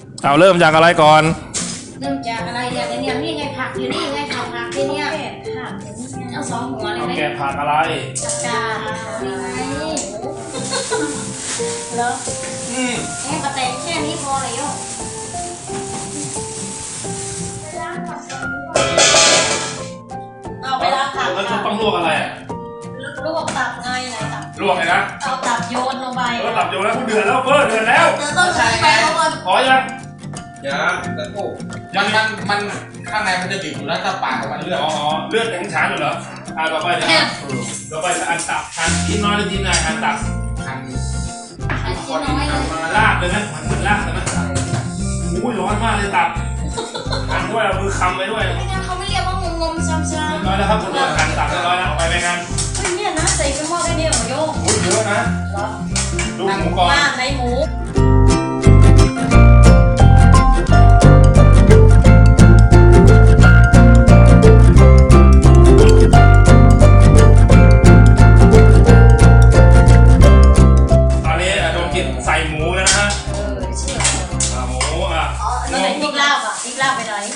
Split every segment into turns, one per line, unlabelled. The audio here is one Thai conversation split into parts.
เอาเริ่มจากอะไรก่อน
เริ่มจากอะไรเนี่ยนี่ไงผักอยู่นี่ไงผักที่เนี่ยผักเอาสองหัวเลยไหม
แกะผักอะไร
ผักกาดนี่ไงเหรอแค่กระเตงแค่นี้พอเลยโยเอาไปล้างผัก
แล้วต้องลวกอะไรอ่ะ
ลวกตับไงไหนตับ
ลวกไงนะ
เอาตับโยนลงไป
ตับโยนแล้วเดือดแล้วเดือดแล้ว
ต้องใช้ไปก่อน
พอยัง
แต่โอ้มันข้างในมันจะบีบอยู่แล้วถ้าปากมันเลือด
เลือดแข็งฉานอยู่เหรอต่อไปจะอันตับหั่นชิ้นน้อยหรือชิ้นใหญ่หั่นตับ
หั่น
ชิ้นน้อย
ลากเลยไหมหั่นลากเลยไหมอุ้ยร้อนมากเลยตับหั่นด้วยเอามือคำไปด้วย
ไม่งั้นเขาไม่เรียกว่างมช้ำๆ
น้อยแล้วครับคุณหั่นตับน้อยแล้วไปไหมกัน
เฮ้ยเนี่ยนะใส่เป็นหม้อได้เนี่ยเหรอโยง
เยอะนะดูหมูก่อน
ในหมู
ใส่หมูนะฮะหมู
แล้วไหนพริกลาบพริกลาบไปไหน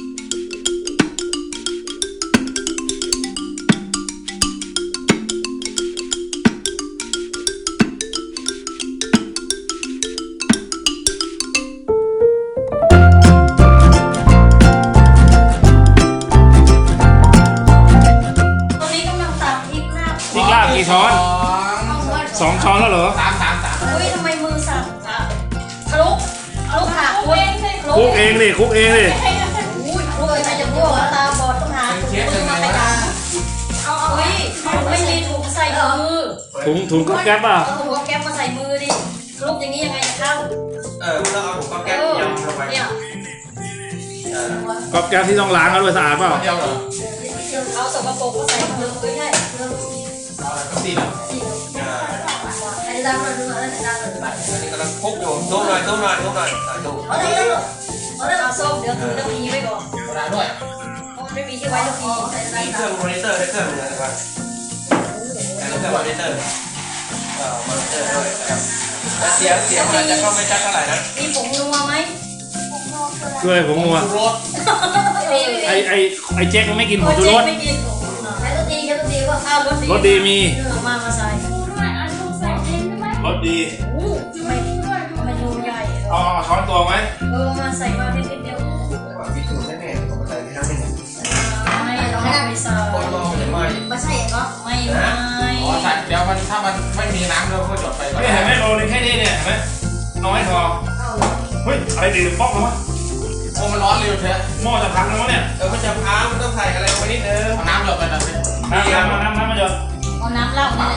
ตอนนี้กำลังตักพริกลาบ
กี่ช้อน2 ช้อนแล้วเหรอ
3เฮ้ยทำไมมือสั่นคลุกค่ะคลุก
เองดิ
อุ้ยคลุกใครจะคลุกตาบอดต้องหามือมาไปกันเอาเฮ้ยไม่มีถุงใส่มือ
ถุงก๊อบแก๊บป่ะ
ถุงก๊อบแก๊บมาใส่มือดิคลุกอย่างนี้ยังไงจะเข้า
มันต้องเอาถุงก๊อบแก๊บยำลงไป
เนี่ย
ก๊อบแก๊บที่ต้องล้างแล้วด้วยสะอาดเปล่า
เดียวเหรอ
เอาสกปรกก็ใส่มือใช่
สี่เหรอ
อันนี้ดังเลยดูอันนี้ดังเลย
อันนี้กำลังคุกอยู่ดูหน่อยดู
เอาส้มเดี๋ยวถือตะพีไว้ก่อน
ร้านด้วย
ไม่มีที่ไว้ตะพี
มีเครื่องมอนิเตอร์ได้เครื่องนึงนะครับเครื่องมอนิเตอร์มอนิเตอร์ด้วยครับเสียงมันจะเข้าไม่ชัดเท่าไหร่นะ
มีผงนัวไหม
คืออะไรผงนัวไอเจ๊กมันไม่กินผงชูรส
ไม่กินใช้รสดีว่าข้าว
รสดีมี
มาใส่
รสดี
ไม่ดูใหญ่
ช้อนตัวไหม
มาใส่มานิดเดียว
มีสูตรแน่ๆผมใส่ที่นั่นไม่
เราไม่ใส่ไม่ใช่เหรอไม่
ใส่เดี๋ยวถ้ามันไม่มีน้ำเราก็จดไป
ไม่เห็นไหมโรนึงแค่นี้เนี่ยเห็นไหมน้อยพอเฮ้ยอะไรดีป๊อกมั้ง
โอ้มันร้อนเร็วเชียว
หม้อจะพังแล้วมั้งเนี่ย
มันจะพังมันต้องใส่อะไรลงไปนิดนึงเอาน้ำหยดไปหน่อยสิ
น้ำมาหยด
เอาน้ำเล่า
หน่อย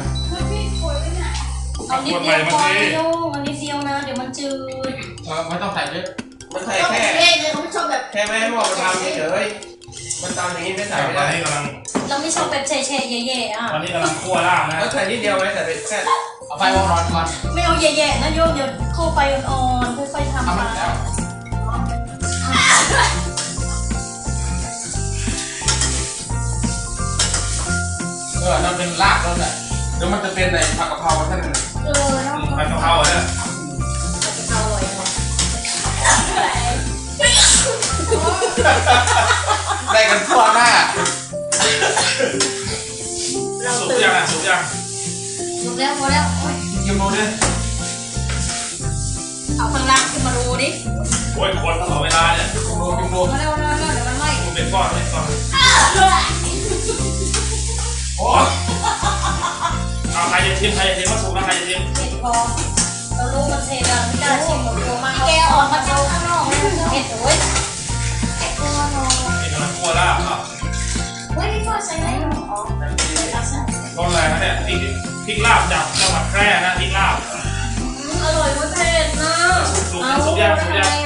เอานิดเดียวพอโยอันนี้เดียวนะเดี๋ยวมันจืด
ไม่ต้องใส่เยอะมันใส่แค่แค่ไม่ให้หม้อมันทำเฉยมันตอนนี้ไม่ใส่ไม่ได้
เราไม่ชอบแบบเฉยๆแย่ๆ
ตอนนี้กำลังคั่วล่างนะ
ใส่นิดเดียวไหมใส่แค่เอาไฟร้อนก่อน
ไม่เอาแย่ๆนะโยเดี๋ยวเข้าไฟอ่อนๆค่อยๆทำมา
มันเป็นรากแล้วแหละเดี๋ยวมันจะเป็นในผักกะเพราท่าน
ผักกะเพราเนี่ย
ผักกะเพราอร่อยนะ
ได้กันทั่วหน้า
สุกยังสุก
แล้วพอแล้ว
กินดูดิ
เอาข้างล่างขึ้นมาดูดิ
โอ้ยคนตลอดเวลาเนี่ย
กินดู
มาเร็วเดี๋ยวมันไหม้
เป็นก้อนโอ้เอาใครจะชิมมาสุกนะใครจะชิม
เผ็ดพอเรารู้มันเผ็ดอ่ะไม่กล้าชิมหรอกตัวมาแกออกมาจากข้างนอกเผ็ดโอ้ย
เป็นน้ำคั่วล่า
เฮ้ยนี่ก็ใส่ไหนหรอ
ต้นอะไรนะเนี่ยพริกลาบจากจังหวัดแพร่นะพริกลาบ
อร่อยมากเผ็ดนะ
สุกยัง